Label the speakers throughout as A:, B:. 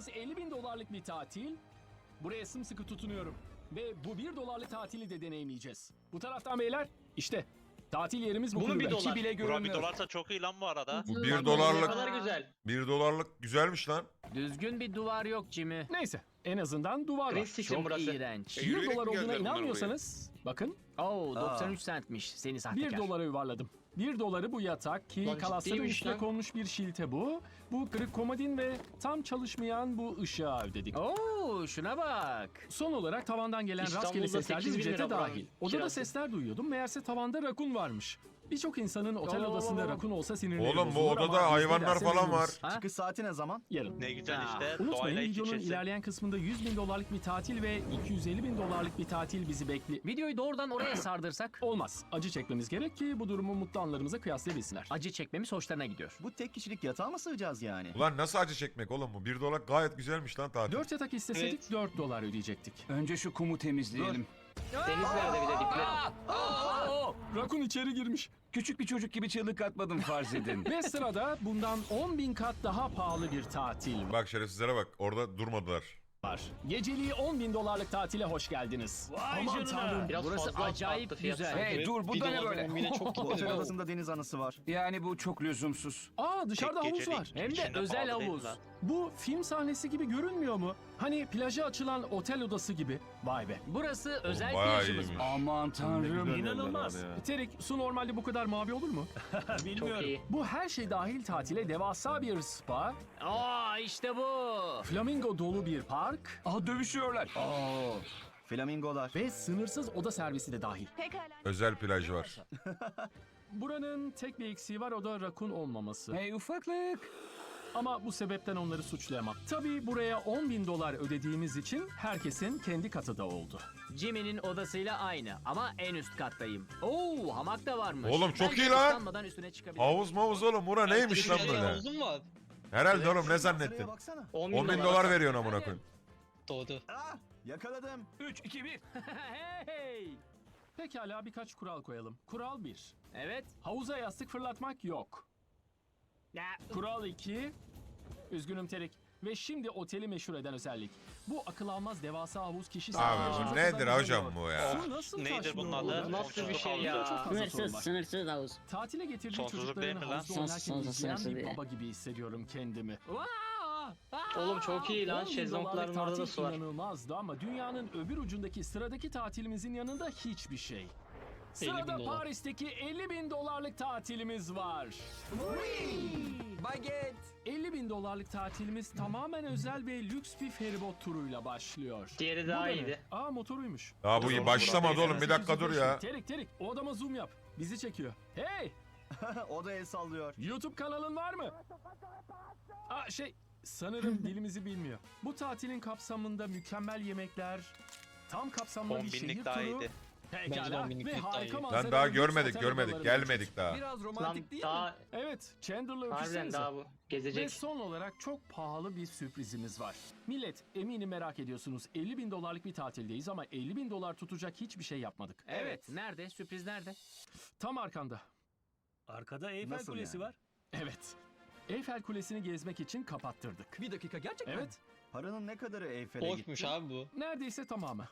A: yapacağımız 50.000 dolarlık bir tatil. Buraya sımsıkı tutunuyorum. Ve bu 1 dolarlık tatili de deneyimleyeceğiz. Bu taraftan beyler, işte tatil yerimiz bu
B: Bunun
A: kulübe.
B: bir dolar.
C: Bile
D: Bura bir
C: görünmüyor.
D: dolarsa çok iyi lan bu arada.
C: Bu
B: Lan
C: 1
B: oğlum, Ne
C: dolarlık
B: kadar güzel.
C: 1 dolarlık güzelmiş lan.
E: Düzgün bir duvar yok Jimmy.
A: Neyse, en azından duvar var.
B: Prince için
E: Çok
B: burası.
E: iğrenç.
A: 1
F: Yürüyerek
A: dolar
F: mi
A: olduğuna
F: geldiler bunlar
A: inanmıyorsanız, bakın
E: Oo 93 centmiş seni
A: 1
E: sahtekar.
A: dolara yuvarladım. 1 doları bu yatak ki
B: Lan
A: kalasların
B: ciddiymiş
A: üstüne
B: lan.
A: konmuş bir şilte bu. Bu kırık komodin ve tam çalışmayan bu ışığa ödedik.
E: Oo şuna bak.
A: Son olarak tavandan gelen
B: İstanbul'da
A: rastgele sesler de
B: 8.000
A: ücrete
B: lira buranın
A: dahil. Odada
B: kirası.
A: sesler duyuyordum. Meğerse tavanda rakun varmış. Birçok insanın otel odasında rakun olsa sinirleri
C: Oğlum bu
A: bozulur ama
C: odada
A: biz
C: hayvanlar
A: nedense
C: falan var.
A: memnunuz.
E: Ha?
G: Çıkış saati ne zaman?
A: Yarın.
D: Ne güzel
E: Ya,
D: işte.
A: Unutmayın
D: Doğayla iç
A: videonun
D: içesin.
A: ilerleyen kısmında 100.000 dolarlık bir tatil ve 250.000 dolarlık bir tatil bizi bekliyor.
E: Videoyu doğrudan oraya sardırsak
A: Olmaz. Acı çekmemiz gerek ki bu durumu mutlu anlarımıza kıyaslayabilsinler.
E: acı çekmemiz hoşlarına gidiyor.
G: Bu tek kişilik yatağa mı sığacağız yani?
C: Ulan nasıl acı çekmek oğlum bu? 1 dolar gayet güzelmiş lan tatil.
A: 4 yatak isteseydik
B: Evet.
A: 4 dolar ödeyecektik.
F: Önce şu kumu temizleyelim.
B: Deniz nerede bir de dipler.
A: Rakun içeri girmiş.
F: Küçük bir çocuk gibi çığlık atmadım farz edin.
A: Ve sırada bundan 10.000 kat daha pahalı bir tatil
C: Bak şerefsizlere bak orada durmadılar.
A: var. Geceliği 10.000 dolarlık tatile hoş geldiniz. Aman tanrım.
B: Biraz
E: Burası
B: fazla
E: acayip
B: attı fiyat
E: güzel.
B: sanki.
F: Hey dur bu da ne böyle?
G: Bu otel odasında deniz anası var.
F: Yani bu çok lüzumsuz.
A: Aa, dışarıda
D: Tek
A: havuz
D: gecelik
A: var.
E: Hem de
D: içinde
E: özel
D: pahalı değil
E: havuz.
D: lan.
A: Bu film sahnesi gibi görünmüyor mu? Hani plaja açılan otel odası gibi. Vay be.
E: Burası özel
C: bayağı
E: plajımız.
C: iyiymiş.
F: Aman tanrım.
A: İnanılmaz. Terik, su normalde bu kadar mavi olur mu?
B: Çok iyi.
A: Bu her şey dahil tatile devasa bir spa,
E: Aa işte bu.
A: flamingo dolu bir park
F: Aa dövüşüyorlar.
G: Flamingolar.
A: ve sınırsız oda servisi de dahil.
C: Özel plaj var.
A: Buranın tek bir eksiği var, o da rakun olmaması.
F: Hey ufaklık.
A: Ama bu sebepten onları suçlayamam. Tabii buraya 10.000 dolar ödediğimiz için herkesin kendi katı da oldu.
E: Jimmy'nin odasıyla aynı ama en üst kattayım. Oo hamak da varmış.
C: Oğlum çok
E: Bence
C: iyi lan.
E: ıslanmadan üstüne çıkabilirim.
C: Havuz mavuz oğlum bura neymiş lan böyle?
B: Havuzun mu var?
C: Herhalde oğlum ne
G: Sıraya
C: zannettin?
G: baksana.
C: 10.000 dolar veriyorsun amına koyayım.
B: Doğdu.
G: Ah, yakaladım.
F: 3 2 1.
E: Hey.
A: Pekala birkaç kural koyalım. Kural 1.
E: Evet.
A: Havuza yastık fırlatmak yok.
E: Ya,
A: Kural 2. Üzgünüm Terik. Ve şimdi oteli meşhur eden özellik. Bu akıl almaz devasa havuz kişi
C: Abi bu nedir hocam bu ya?
A: Su nasıl
D: Neydir
A: taşmıyor
D: bunun adı?
A: orada?
B: Nasıl bir şey
D: Sonsuzluk
B: ya?
A: Çok fazla sorun
H: Sınırsız,
A: var.
H: sınırsız havuz.
A: Tatile getirdiği
D: Sonsuzluk
A: çocukların
D: değil mi lan?
A: havuzda oynarken
H: Sonsuz,
A: izleyen
H: sınırsız
A: bir
H: değil.
A: baba gibi hissediyorum kendimi.
B: Oğlum çok iyi lan.
A: 10.000
B: Şezlongların
A: dolarlık
B: orada da
A: tatil
B: su var.
A: inanılmazdı ama dünyanın öbür ucundaki sıradaki tatilimizin yanında hiçbir şey.
B: 50.000
A: Sırada
B: dolar.
A: Paris'teki 50.000 dolarlık tatilimiz var.
F: Baget.
A: 50.000 dolarlık tatilimiz tamamen özel ve lüks bir feribot turuyla başlıyor.
B: Diğeri
A: Bu
B: daha
A: da ne?
B: iyiydi.
A: Aa, motoruymuş.
C: Daha bu başlamadı oğlum bir dakika dur ya.
A: Terik Terik, o adama zoom yap. Bizi çekiyor. Hey,
G: O da el sallıyor.
A: YouTube kanalın var mı? Aa, sanırım dilimizi bilmiyor. Bu tatilin kapsamında mükemmel yemekler, tam kapsamlı
D: 10
A: bir şehir
D: binlik daha
A: turu.
D: iyiydi.
B: Bence
A: Pekala
B: 10 binlik
A: ve
B: daha
A: harika
B: iyi.
A: manzaralı
C: Lan daha
A: lüks
C: görmedik
A: otel
C: görmedik
A: odaları
C: gelmedik daha.
F: Biraz
B: Lan
F: romantik değil mi?
B: daha
A: Evet, Chandler'la
B: harbiden
A: öpüşsenize.
B: daha bu.
A: Ve
B: Gezecek.
A: son olarak çok pahalı bir sürprizimiz var. Millet, eminim merak ediyorsunuz. 50.000 dolarlık bir tatildeyiz ama 50.000 dolar tutacak hiçbir şey yapmadık.
E: evet. Nerede? Sürpriz nerede?
A: Tam arkanda.
I: Arkada Eyfel
G: Nasıl
I: Kulesi
G: yani?
I: var.
A: Evet. Eyfel Kulesi'ni gezmek için kapattırdık.
F: Bir dakika gerçekten.
A: Evet,
G: Paranın ne kadarı Eyfel'e gitti?
B: Boşmuş abi bu.
A: neredeyse tamamı.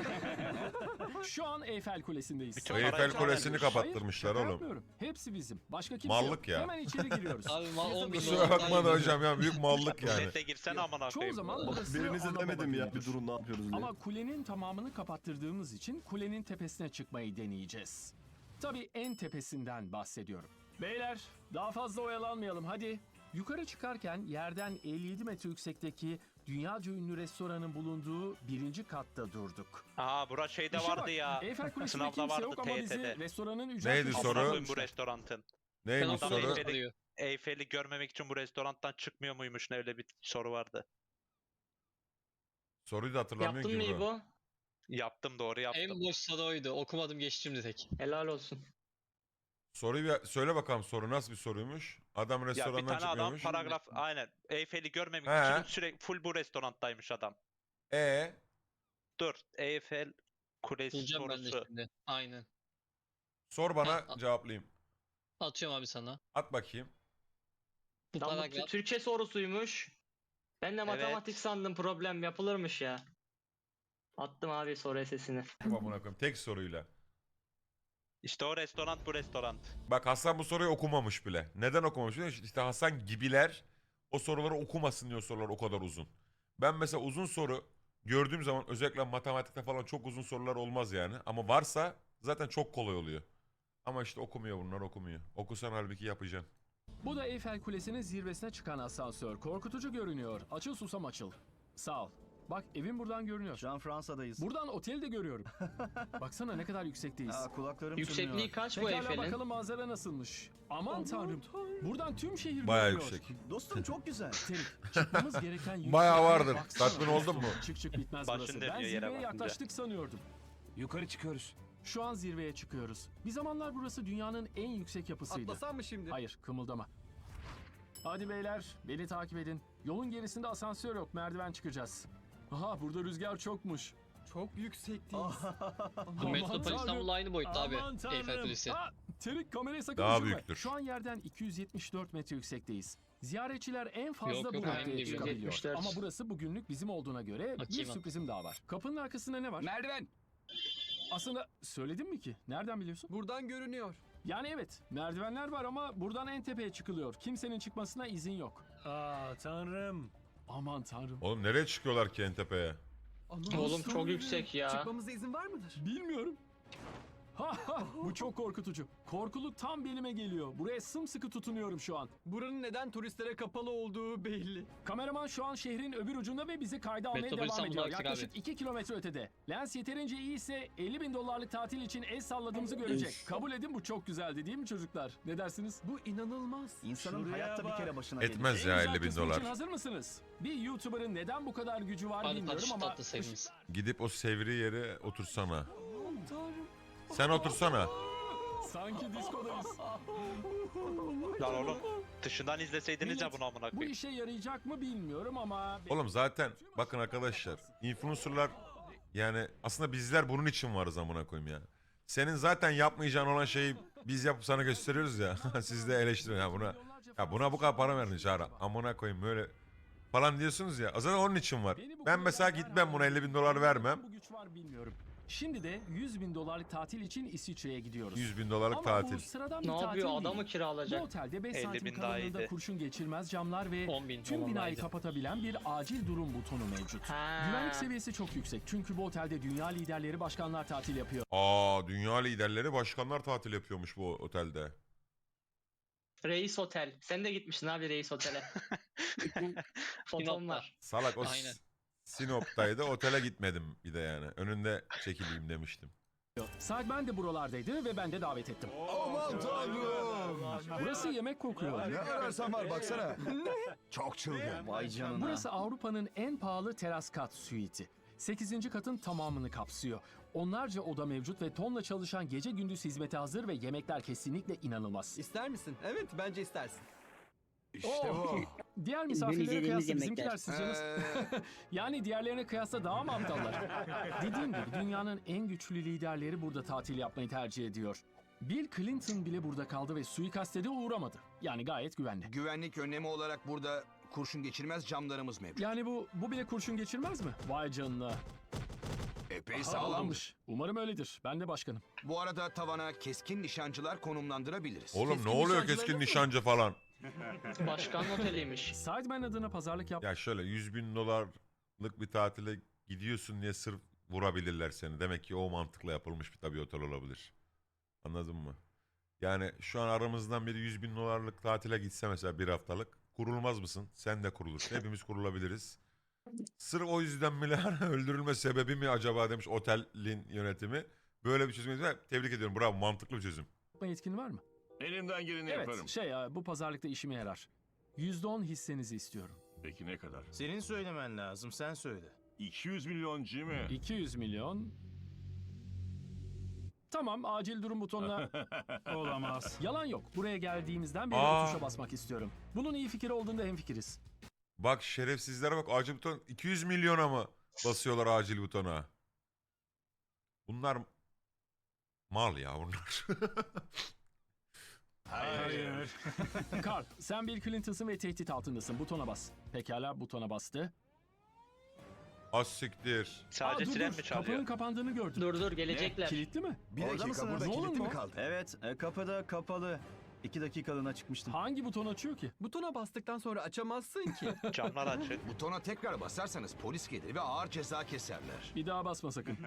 A: Şu an Eyfel Kulesindeyiz.
D: Bütün
C: Eyfel
D: parayı
C: Kulesi'ni
D: çalarmış.
C: kapattırmışlar
A: Şaka
C: oğlum.
A: yapmıyorum. Hepsi bizim. Başka kimse
C: Mallık
A: yok.
C: ya.
A: Hemen içeri giriyoruz.
B: Abi 10 bin
C: Kusura
B: dolar.
C: bakma da hocam ya büyük mallık yani.
D: Millete girsene amına
A: Çoğu
D: koyayım.
A: zaman burası
J: Birinize
A: ana
J: demedim
A: baba
J: ya
A: günüdür.
J: bir durun ne yapıyoruz diye.
A: Ama kulenin tamamını kapattırdığımız için kulenin tepesine çıkmayı deneyeceğiz. Tabii en tepesinden bahsediyorum. Beyler, daha fazla oyalanmayalım hadi. Yukarı çıkarken yerden 57 metre yüksekteki dünyaca ünlü restoranın bulunduğu birinci katta durduk.
D: Aa bura şeyde
A: İşe
D: vardı
A: bak,
D: ya.
A: Eyfel Kulesi'nde
D: Sınavda
A: kimse
D: vardı
A: yok ama bizi
D: TYT'de.
A: restoranın ücret
C: Neydi
A: köşesine
C: soru?
D: Amına koyayım bu
A: koymuşlar.
D: restoranın.
C: Neymiş
B: Sen
C: soru?
B: soruyor.
D: Eyfel'i görmemek için bu restorandan çıkmıyor muymuş ne öyle bir soru vardı.
C: Soruyu da hatırlamıyorum
B: Yaptın
C: ki
B: mı
C: bro.
B: İbo?
D: Yaptım doğru yaptım.
B: En boş soru oydu. Okumadım geçtim direkt. Helal olsun.
C: Soruyu bir söyle bakalım soru nasıl bir soruymuş? Adam
D: Ya bir
C: restorandan
D: tane adam
C: çıkmıyormuş.
D: paragraf aynen Eyfel'i görmemek
C: He.
D: için sürekli full bu restoranttaymış adam. Dur Eyfel Kulesi
B: Bulacağım ben de
D: sorusu.
B: şimdi. Aynen.
C: Sor bana
B: Ha,
C: cevaplayayım.
B: Atıyorum abi sana.
C: At bakayım.
B: Bu
G: Tam bu
B: paragraf.
G: Türkçe sorusuymuş.
B: Ben de
D: Evet.
B: matematik sandım, problem yapılırmış ya. Attım abi soru sesini.
C: Amına koyayım tek soruyla.
D: İşte o restoran bu restoran.
C: Bak Hasan bu soruyu okumamış bile. Neden okumamış biliyor musun? İşte Hasan gibiler o soruları okumasın diyor, sorular o kadar uzun. Ben mesela uzun soru gördüğüm zaman özellikle matematikte falan çok uzun sorular olmaz yani. Ama varsa zaten çok kolay oluyor. Ama işte okumuyor, bunlar okumuyor. Okusan halbuki yapacaksın.
A: Bu da Eyfel Kulesi'nin zirvesine çıkan asansör. Korkutucu görünüyor. Açıl susam açıl. Sağ ol. Bak evim buradan görünüyor.
G: Şu an Fransa'dayız.
A: Buradan oteli de görüyorum. Baksana ne kadar yüksekteyiz.
G: Aa, kulaklarım
B: Yüksekliği
G: çınlıyor.
B: kaç bu
A: Pekala
B: Eyfel'in?
A: bakalım manzara nasılmış. Aman tanrım. Buradan tüm şehir
C: Bayağı
A: görünüyor.
C: yüksek.
G: Dostum çok güzel.
A: Terik, çıkmamız gereken yüksekliğe
C: Bayağı vardır.
A: baksana.
C: Tatmin oldun mu?
A: Çık çık bitmez
D: Başın
A: burası.
D: dönüyor
A: Ben
D: yere
A: zirveye
D: bakınca.
A: yaklaştık sanıyordum.
F: Yukarı çıkıyoruz.
A: Şu an zirveye çıkıyoruz. Bir zamanlar burası dünyanın en yüksek yapısıydı.
F: Atlasam mı şimdi?
A: Hayır, kımıldama. Hadi beyler, beni takip edin. Yolun gerisinde asansör yok, merdiven çıkacağız. Aha, burada rüzgar çokmuş.
F: Çok yüksekteyiz.
A: Aman
B: Metropol
A: tanrım.
B: İstanbul'la aynı boyutta abi.
A: Aman tanrım.
B: Eyfel Kulesi.
A: Ha, Terik kamerayı sakın
C: Daha
A: düşürme.
C: büyüktür.
A: Şu an yerden 274 metre yüksekteyiz. Ziyaretçiler en fazla
B: Yok,
A: bu
B: yok,
A: noktaya
B: aynı değil.
A: çıkabiliyor.
B: 174.
A: Ama burası bugünlük bizim olduğuna göre bir
B: Bakayım.
A: sürprizim daha var. Kapının arkasında ne var?
F: Merdiven.
A: Aslında söyledim mi ki? Nereden biliyorsun?
F: Buradan görünüyor.
A: Yani evet, merdivenler var ama buradan en tepeye çıkılıyor. Kimsenin çıkmasına izin yok.
I: Aa tanrım.
A: Aman tanrım.
C: Oğlum nereye çıkıyorlar ki en tepeye?
B: Oğlum çok yüksek ya.
F: Çıkmamıza izin var mıdır?
A: Bilmiyorum. Ha ha, bu çok korkutucu. Korkuluk tam belime geliyor. Buraya sımsıkı tutunuyorum şu an.
F: Buranın neden turistlere kapalı olduğu belli.
A: Kameraman şu an şehrin öbür ucunda ve bizi kayda almaya
B: Metropol
A: devam
B: İstanbul'a
A: ediyor.
B: aktif
A: Yaklaşık
B: abi.
A: 2 kilometre ötede. Lens yeterince iyiyse $50.000 tatil için el salladığımızı görecek. Kabul edin, bu çok güzeldi değil mi çocuklar? Ne dersiniz?
F: Bu inanılmaz.
G: İnsanın
I: Şuraya
G: hayatta bir
I: bak.
G: kere başına gelir.
C: Etmez
A: En
C: ya
A: güzel
C: 50 bin
A: kısmı için
C: dolar.
A: hazır mısınız? Bir YouTuber'ın neden bu kadar gücü var
B: Hadi
A: bilmiyorum
B: tatlı
A: ama...
B: tatlı sevimiz.
C: Gidip o sevri yere otursana. Sen otursana.
A: Sanki diskodayız.
D: Lan oğlum dışından izleseydiniz ya
A: Millet,
D: bunu amına
A: Bu
D: koyayım.
A: işe yarayacak mı bilmiyorum ama...
C: Oğlum zaten bakın arkadaşlar, influencerlar yani aslında bizler bunun için varız amına koyayım ya. Senin zaten yapmayacağın olan şeyi biz yapıp sana gösteriyoruz ya. Siz de eleştirin ya buna bu kadar para verdin Çağrı. Amına koyayım böyle falan diyorsunuz ya. Zaten onun için var. Ben mesela gitmem buna 50 bin dolar vermem.
A: Bu güç var bilmiyorum. Şimdi de $100.000 tatil için İsviçre'ye gidiyoruz.
C: 100 bin dolarlık
A: Ama
C: tatil.
A: bu sıradan bir
B: Ne
A: tatil
B: yapıyor?
A: değil.
B: Adamı
A: Bu
B: kiralayacak.
A: otelde 5
D: 50
A: santim
D: bin daha
A: kalınlığında
D: iyiydi.
A: kurşun geçirmez camlar ve
B: 10.000
A: tüm binayı
B: tamamlaydı.
A: kapatabilen bir acil durum butonu mevcut.
B: Ha.
A: Güvenlik seviyesi çok yüksek çünkü bu otelde dünya liderleri, başkanlar tatil yapıyor.
C: Dünya liderleri, başkanlar tatil yapıyormuş bu otelde.
B: Reis Otel. Sen de gitmişsin abi Reis Otel'e. Fotom var.
C: Salak o
B: Aynen.
C: Sinop'taydı, otele gitmedim bir de yani. Önünde çekileyim demiştim.
A: Sideman de buralardaydı ve ben de davet ettim.
H: Aman tanrım.
A: Burası yemek kokuyor.
H: Ne ararsan var baksana. Çok çılgın.
G: Vay canına.
A: Burası Avrupa'nın en pahalı teras kat suiti. 8. katın tamamını kapsıyor. Onlarca oda mevcut ve tonla çalışan gece gündüz hizmete hazır ve yemekler kesinlikle inanılmaz.
F: İster misin? Evet bence istersin.
H: İşte bu.
A: Diğer misafirlere
E: izlediğimiz
A: kıyasla
E: yemekler.
A: bizimkiler sizceniz... Yani diğerlerine kıyasla daha mı aptallar? Dediğim gibi dünyanın en güçlü liderleri burada tatil yapmayı tercih ediyor. Bill Clinton bile burada kaldı ve suikaste de uğramadı. Yani gayet güvenli.
H: Güvenlik önlemi olarak burada kurşun geçirmez camlarımız mevcut.
A: Yani bu bile kurşun geçirmez mi? Vay canına.
H: Epey sağlammış.
A: Sağlammış. Umarım öyledir. Ben de başkanım.
H: Bu arada tavana keskin nişancılar konumlandırabiliriz.
C: Oğlum
A: Keskin
C: ne oluyor
A: nişancılar
C: keskin
A: yok mu?
C: nişancı falan?
B: Başkan oteliymiş.
A: Sideman adına pazarlık yap...
C: Ya şöyle 100 bin dolarlık bir tatile gidiyorsun diye sırf vurabilirler seni. Demek ki o mantıkla yapılmış bir tabii otel olabilir. Anladın mı? Yani şu an aramızdan biri 100 bin dolarlık tatile gitse mesela bir haftalık. Kurulmaz mısın? Sen de kurulursun. Hepimiz kurulabiliriz. Sırf o yüzden bile öldürülme sebebi mi acaba demiş otelin yönetimi. Böyle bir çözüm. Tebrik ediyorum. Bravo, mantıklı bir çözüm.
A: Yetkin var mı?
J: Elimden geleni
A: Evet,
J: yaparım.
A: bu pazarlıkta işime yarar. %10 hissenizi istiyorum.
J: Peki ne kadar?
K: Senin söylemen lazım, sen söyle.
J: 200 milyon Jimmy.
A: 200 milyon. Tamam, acil durum butonuna...
I: Olamaz.
A: Yalan yok. Buraya geldiğimizden beri
C: Aa.
A: o tuşa basmak istiyorum. Bunun iyi fikir olduğunda hemfikiriz.
C: Bak şerefsizlere bak, acil buton 200 milyona mı basıyorlar acil butona? Bunlar mal ya bunlar.
I: Hayır.
A: Carl, sen Bill Clinton'sın ve tehdit altındasın. Butona bas. Pekala, butona bastı.
C: Az siktir.
D: Sadece
A: Aa, dur,
D: siren
A: dur.
D: mi çalıyor?
A: Kapının kapandığını gördüm.
B: Dur gelecekler.
A: Kilitli mi?
H: Bir
G: Orada
H: dakika
G: mısınız?
H: burada
A: Ne
H: kilit
A: olur
H: mi
A: mu?
H: kaldı?
G: Evet, kapıda kapalı. 2 dakikalığına çıkmıştım.
A: Hangi buton açıyor ki?
F: Butona bastıktan sonra açamazsın ki.
D: Camlar açık.
H: Butona tekrar basarsanız polis gelir ve ağır ceza keserler.
A: Bir daha basma sakın.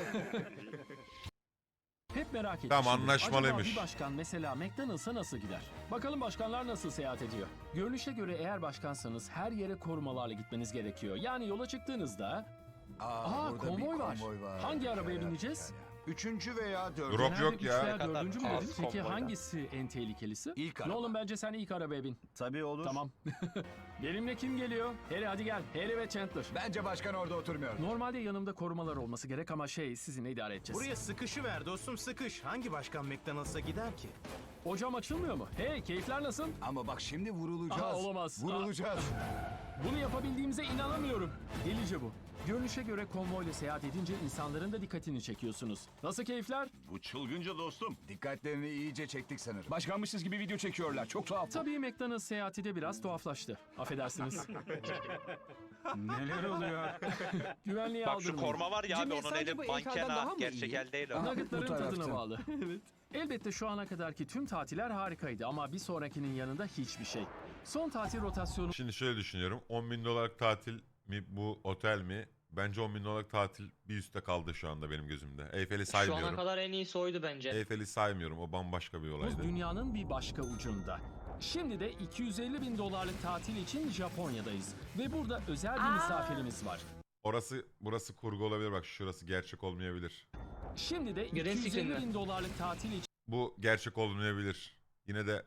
A: Hep merak ettim.
C: Tamam, anlaşmalıymış.
A: Acaba bir başkan mesela McDonald's'a nasıl gider? Bakalım başkanlar nasıl seyahat ediyor? Görünüşe göre eğer başkansanız her yere korumalarla gitmeniz gerekiyor. Yani yola çıktığınızda... Aa,
H: burada
A: konvoy
H: bir
A: var.
H: konvoy var.
A: Hangi arabaya bineceğiz?
H: 3. veya 4.
C: Drop
A: Genelde
C: yok
A: üç
C: ya.
A: veya
D: Ne kadar
A: dördüncü mü
D: az
A: dedin? Peki
D: konvoydan.
A: hangisi en tehlikelisi?
H: İlk
A: Ne
H: araba.
A: oğlum bence sen ilk arabaya bin.
G: Tabii olur.
A: Tamam. Benimle kim geliyor? Harry hadi gel. Harry ve Chandler.
H: Bence başkan orada oturmuyor.
A: Normalde yanımda korumalar olması gerek ama sizinle idare edeceğiz.
K: Buraya sıkışı dostum sıkış. Hangi başkan McDonald's'a gider ki?
A: O cam açılmıyor mu? Hey, keyifler nasıl?
H: Ama bak şimdi vurulacağız.
A: Aha, olamaz.
H: Vurulacağız.
A: Bunu yapabildiğimize inanamıyorum. Delice bu. Görünüşe göre konvoyla seyahat edince insanların da dikkatini çekiyorsunuz. Nasıl keyifler?
J: Bu çılgınca dostum.
H: Dikkatlerini iyice çektik sanırım. Başkanmışız gibi video çekiyorlar. Çok tuhaf.
A: Tabii McDonald's seyahati de biraz tuhaflaştı. Affedersiniz.
I: Neler oluyor?
A: Güvenliğe
D: Bak şu
A: aldırmayın.
D: korma var ya abi
F: Jimmy,
D: onun
F: sence
D: eli
F: bu
D: manken
F: heykelden daha
D: ha.
F: mı
D: Gerçek
F: iyi?
D: el değil o.
A: Nuggetların
H: Bu tarafta.
A: tadına bağlı. Elbette şu ana kadarki tüm tatiller harikaydı ama bir sonrakinin yanında hiçbir şey. Son tatil rotasyonu
C: Şimdi şöyle düşünüyorum. 10 bin dolarlık tatil mi bu otel mi? Bence 10 bin dolarlık tatil bir üstte kaldı şu anda benim gözümde. Eyfel'i
B: Şu ana
C: saymıyorum.
B: kadar en iyisi oydu bence.
C: Eyfel'i saymıyorum. O bambaşka bir olaydı.
A: dünyanın bir başka ucunda. Şimdi de 250 bin dolarlık tatil için Japonya'dayız. Ve burada özel bir misafirimiz var.
C: Burası kurgu olabilir. Bak şurası gerçek olmayabilir.
A: Şimdi de
B: Green
A: 250
B: screen
A: bin dolarlık tatil için
C: Bu gerçek olmayabilir. Yine de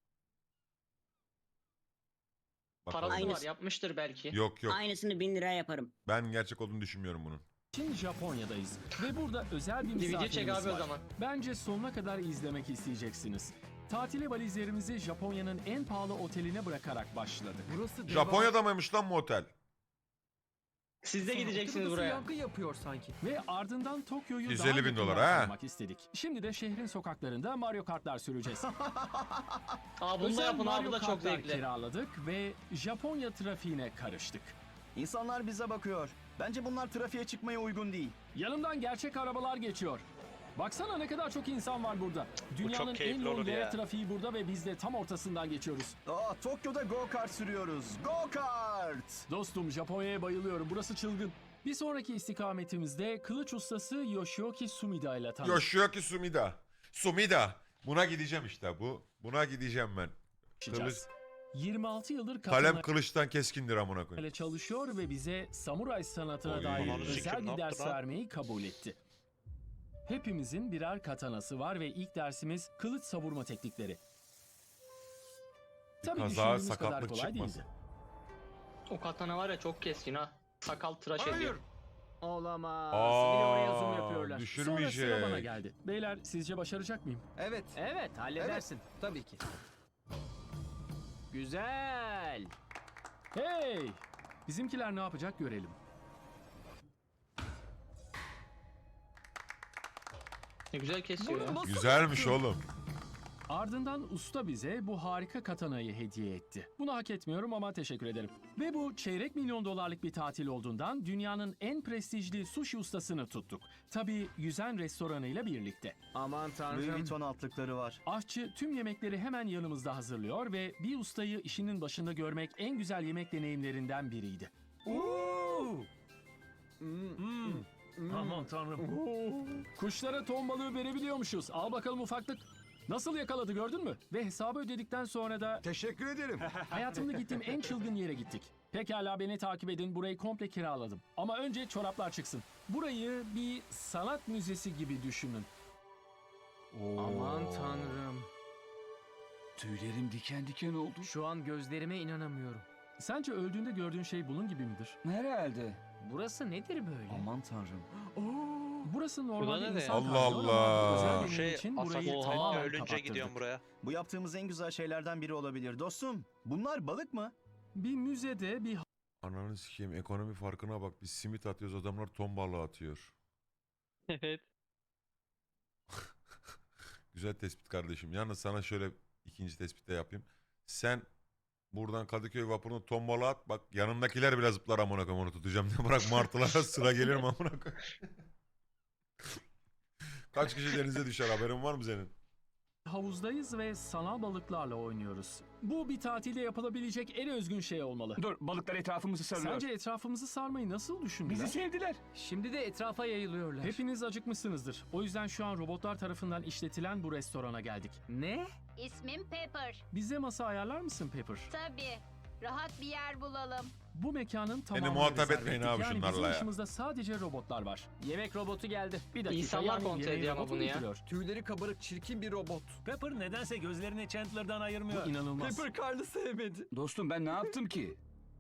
C: bakalım.
B: Parası var
L: Aynısı.
B: yapmıştır belki.
C: Yok yok.
L: Aynısını 1000 liraya yaparım.
C: Ben gerçek olduğunu düşünmüyorum bunun.
A: Japonya'dayız. Ve burada özel bir
B: DVD çek
A: misafirimiz
B: abi o
A: var.
B: zaman.
A: Bence sonuna kadar izlemek isteyeceksiniz. Tatile valizlerimizi Japonya'nın en pahalı oteline bırakarak başladık.
F: Burası
C: Japonya'da mıymış lan bu otel?
B: Siz de gideceksiniz buraya.
F: Yankı yapıyor sanki.
A: Ve ardından Tokyo'yu
C: 150
A: daha
C: bin
A: yakından
C: dolar, ha?
A: tanımak istedik. Şimdi de şehrin sokaklarında Mario Kart'lar süreceğiz.
B: Aa bunu da
A: Özel
B: yapın abi
A: Mario
B: bu da çok
A: Kart'lar
B: zevkli.
A: kiraladık ve Japonya trafiğine karıştık.
G: İnsanlar bize bakıyor. Bence bunlar trafiğe çıkmaya uygun değil.
A: Yanımdan gerçek arabalar geçiyor. Baksana ne kadar çok insan var burada. Dünyanın en
D: keyifli
A: yoğun
D: olur
A: yaya
D: ya.
A: trafiği burada ve biz de tam ortasından geçiyoruz.
G: Tokyo'da go-kart sürüyoruz. Go-kart!
A: Dostum Japonya'ya bayılıyorum. Burası çılgın. Bir sonraki istikametimizde kılıç ustası Yoshioki Sumida ile tanıştık.
C: Yoshioki Sumida. Sumida. Buna gideceğim işte bu. Buna gideceğim ben. Kılıç,
A: 26 yıldır
C: kalem
A: katana
C: kılıçtan keskindir amına koyayım.
A: ile çalışıyor ve bize samuray sanatına
C: Oy.
A: dair
C: Ananı
A: özel
D: sikim,
A: bir
D: ne
A: ders
D: yaptı lan?
A: vermeyi kabul etti. Hepimizin birer katanası var ve ilk dersimiz kılıç savurma teknikleri. Tabii
C: Kaza,
A: düşündüğümüz kadar
C: sakatlık
A: kolay
C: çıkmasın.
A: değildi.
B: O katana var ya çok keskin ha. Sakal tıraş ediyor.
E: Olamaz. Bir de oraya zoom yapıyorlar.
A: Sonra sıra bana
C: Düşürmeyecek.
A: geldi. Beyler sizce başaracak mıyım?
F: Evet.
E: Evet halledersin.
F: Tabii ki.
E: Güzel.
A: Hey! Bizimkiler ne yapacak görelim.
B: Ne güzel kesiyor ya.
C: Güzelmiş oğlum.
A: Ardından usta bize bu harika katanayı hediye etti. Bunu hak etmiyorum ama teşekkür ederim. Ve bu çeyrek milyon dolarlık bir tatil olduğundan dünyanın en prestijli sushi ustasını tuttuk. Tabii yüzen restoranıyla birlikte.
E: Aman
G: Louis
E: tanrım.
G: Vuitton altlıkları var.
A: Aşçı tüm yemekleri hemen yanımızda hazırlıyor ve bir ustayı işinin başında görmek en güzel yemek deneyimlerinden biriydi.
I: Aman tanrım.
A: Kuşlara ton balığı verebiliyormuşuz. Al bakalım ufaklık. Nasıl yakaladı gördün mü? Ve hesabı ödedikten sonra da
H: Teşekkür ederim.
A: hayatımda gittiğim en çılgın yere gittik. Pekala beni takip edin. Burayı komple kiraladım. Ama önce çoraplar çıksın. Burayı bir sanat müzesi gibi düşünün.
E: Aman tanrım.
H: Tüylerim diken diken oldu.
E: Şu an gözlerime inanamıyorum.
A: Sence öldüğünde gördüğün şey bunun gibi midir?
G: Herhalde.
E: Burası nedir böyle?
G: Aman tanrım.
A: Burası normalde
B: ne?
A: insan
C: Allah
A: kalmıyor ama
C: Allah.
A: özel deneyim
D: Şey
A: için burayı
D: Asako
A: tamamen
D: ölünce
A: kapattırdık.
D: gidiyorum buraya.
G: Bu yaptığımız en güzel şeylerden biri olabilir. Dostum, bunlar balık mı?
A: Bir müzede bir
C: Ananı sikeyim, ekonomi farkına bak. Biz simit atıyoruz, adamlar ton balığı atıyor.
B: Evet.
C: Güzel tespit kardeşim. Yalnız sana şöyle İkinci tespit de yapayım. Sen buradan Kadıköy vapuruna tombala at. Bak yanımdakiler bile zıplar amına koyayım onu tutacağım diye. Bırak martılara sıra gelir mi amına koyayım? Kaç kişi denize düşer haberin var mı senin?
A: Havuzdayız ve sanal balıklarla oynuyoruz. Bu bir tatilde yapılabilecek en özgün şey olmalı.
I: Dur, balıklar etrafımızı sarıyor.
A: Sence etrafımızı sarmayı nasıl düşündüler?
I: Bizi sevdiler.
E: Şimdi de etrafa yayılıyorlar.
A: Hepiniz acıkmışsınızdır. O yüzden şu an robotlar tarafından işletilen bu restorana geldik.
E: Ne?
L: İsmim Pepper.
A: Bize masa ayarlar mısın Pepper?
L: Tabii. Rahat bir yer bulalım.
A: Bu mekanın tamamını
C: muhatap
A: rezerv
C: etmeyin
A: ettik.
C: abi
A: Yani
C: şunlarla
A: bizim
C: ya.
A: dışımızda sadece robotlar var.
E: Yemek robotu geldi.
A: Bir dakika,
B: İnsanlar
A: yani
B: kontrol
A: yemeği
B: ediyor ama
A: robot mu
B: bunu ya.
A: getiriyor?
F: Tüyleri kabarık çirkin bir robot.
I: Pepper nedense gözlerini Chandler'dan
A: Bu
I: ayırmıyor.
A: inanılmaz.
F: Pepper Carl'ı sevmedi.
I: Dostum ben ne yaptım ki?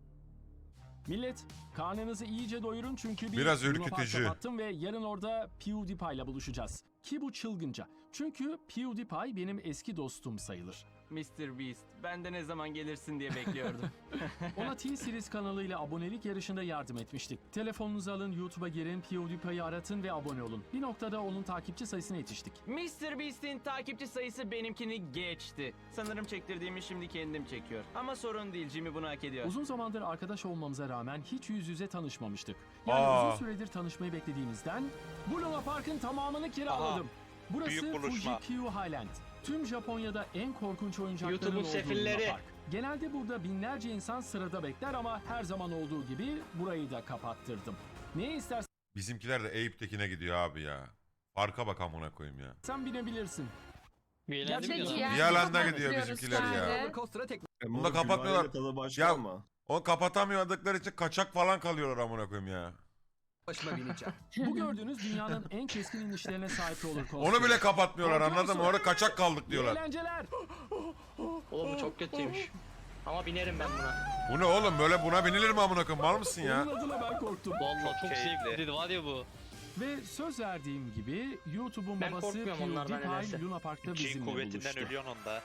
A: Millet, karnınızı iyice doyurun çünkü bir
C: Biraz
A: Luna Park
C: ürkütücü.
A: kapattım ve yarın orada PewDiePie ile buluşacağız. Ki bu çılgınca. Çünkü PewDiePie benim eski dostum sayılır.
F: Mr. Beast, ben de ne zaman gelirsin diye bekliyordum.
A: Ona T-Series kanalıyla abonelik yarışında yardım etmiştik. Telefonunuzu alın, YouTube'a girin, PewDiePie'yi aratın ve abone olun. Bir noktada onun takipçi sayısına yetiştik.
F: Mr. Beast'in takipçi sayısı benimkini geçti. Sanırım çektirdiğimi şimdi kendim çekiyor. Ama sorun değil, Jimmy bunu hak ediyor.
A: Uzun zamandır arkadaş olmamıza rağmen hiç yüz yüze tanışmamıştık. Yani
C: Aa.
A: uzun süredir tanışmayı beklediğimizden bu Luna Park'ın tamamını kiraladım. Burası
D: büyük buluşma.
A: Fuji-Q Highland. Tüm Japonya'da en korkunç oyuncakların
B: YouTube'un
A: olduğu
B: sefilleri.
A: Luna Park. Genelde burada binlerce insan sırada bekler ama her zaman olduğu gibi burayı da kapattırdım. Ne istersen
C: Bizimkiler de Eyüp'tekine gidiyor abi ya. Farka bak amına koyayım ya.
A: binebilirsin.
B: Bir eğlence mi
L: Peki
B: diyorsun?
L: ya,
C: Bir alanda
L: kapatmak
C: gidiyor
L: istiyoruz
C: bizimkiler ya.
L: sadece.
F: Roller coaster'a tek
C: Bunu da kapatmıyorlar. Ya onu kapatamıyordukları için kaçak falan kalıyorlar amına koyayım ya.
F: başıma bineceğim.
A: Bu gördüğünüz dünyanın en keskin inişlerine sahip olur.
C: Onu bile kapatmıyorlar anladın mı? Orada kaçak kaldık
A: İyi
C: diyorlar.
A: eğlenceler.
B: Oğlum bu çok kötüymüş. Ama binerim ben buna.
C: Bu ne oğlum böyle buna binilir mi amına koyayım? Mal mısın ya?
A: Onun adına ben korktum.
B: Vallahi çok
D: keyifli.
B: zevkliydi var ya bu.
A: Ve söz verdiğim gibi YouTube'un
B: Ben
A: babası
B: korkmuyorum onlardan
A: PewDiePie
B: nedense.
A: Luna Park'ta
D: G
A: bizimle
D: kuvvetinden
A: buluştu.
D: ölüyorsun onda.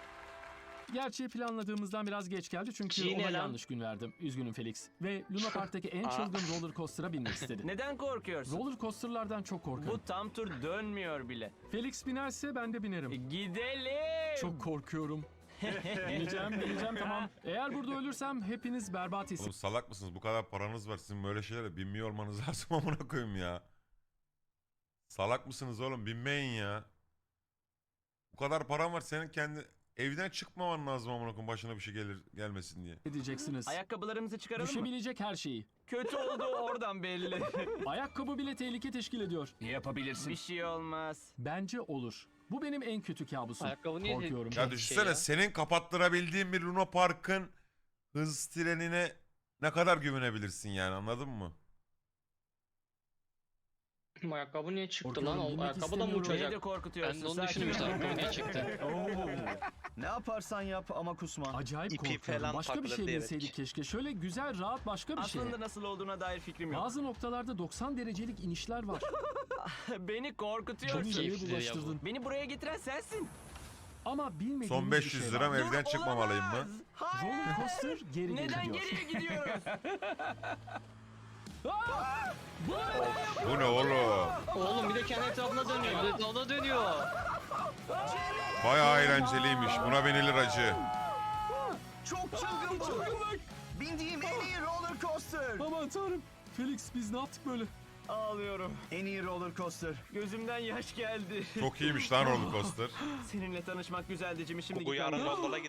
A: Gerçi planladığımızdan biraz geç geldi çünkü
B: G ne
A: ona
B: lan?
A: yanlış gün verdim. Üzgünüm Felix. Ve Luna Park'taki en çılgın roller coaster'a binmek istedi.
F: Neden korkuyorsun?
A: Roller coaster'lardan çok korkarım.
F: Bu tam tur dönmüyor bile.
A: Felix binerse ben de binerim.
F: Gidelim.
A: Çok korkuyorum. bineceğim tamam. Eğer burada ölürsem hepiniz berbat
C: Oğlum salak mısınız? Bu kadar paranız var. Sizin böyle şeylere binmiyor olmanız lazım amına koyayım ya. Salak mısınız oğlum? Binmeyin ya. Bu kadar paran var senin kendi evden çıkmaman lazım amına koyayım başına bir şey gelmesin diye.
A: edeceksiniz.
F: Ayakkabılarımızı çıkaralım mı?
A: Düşebilecek her şeyi.
F: Kötü oldu oradan belli.
A: Ayakkabı bile tehlike teşkil ediyor.
I: Yapabilirsin.
F: Bir şey olmaz.
A: Bence olur. Bu benim en kötü kabusum.
B: Ayakkabı niye
A: Korkuyorum.
C: Ya düşünsene
B: ya.
C: senin kapattırabildiğin bir Luna Park'ın hız trenine ne kadar güvenebilirsin yani anladın mı?
B: Ayakkabı niye çıktı
A: Korkuyorum,
B: lan? O
A: bilmek
B: ayakkabı da mı
A: istemiyorum.
F: Beni
B: uçacak?
F: de korkutuyorsun.
B: Ben de onu
F: sakin
B: düşündüm işte
F: ol.
B: ayakkabı niye çıktı?
G: Ne yaparsan yap ama kusma.
A: Acayip
D: İpi
A: korkuyorum.
D: falan
A: Başka bir
D: takılır
A: şey
D: diyerek.
A: bilseydik keşke. Şöyle güzel, rahat başka bir şey.
F: Aslında nasıl olduğuna dair fikrim yok.
A: Bazı noktalarda 90 derecelik inişler var.
F: Beni korkutuyorsun.
A: Johnny'yi
B: Keyiflidir ya bu.
A: bulaştırdın.
F: Beni buraya getiren sensin.
A: Ama bilmediğimiz
C: Son
A: bir
C: 500
A: şey
C: lira
A: var.
C: evden çıkmamalıyım mı?
F: Olamaz. Hayır.
A: Roller coaster geri
F: Neden
A: gidiyor.
F: geriye gidiyoruz?
C: Bu ne oğlum?
B: Oğlum bir de kendi etrafına dönüyor. Bir de etrafına dönüyor.
C: Bayağı eğlenceliymiş. Buna binilir acı.
G: Çok çılgın bu. Bindiğim en iyi roller coaster.
A: Aman tanrım. Felix biz ne yaptık böyle?
F: Ağlıyorum.
G: En iyi roller coaster.
F: Gözümden yaş geldi.
C: Çok iyiymiş lan roller coaster.
F: Seninle tanışmak güzeldi Jimmy. Şimdi
D: Bu yarın
F: gitmem.
D: gondola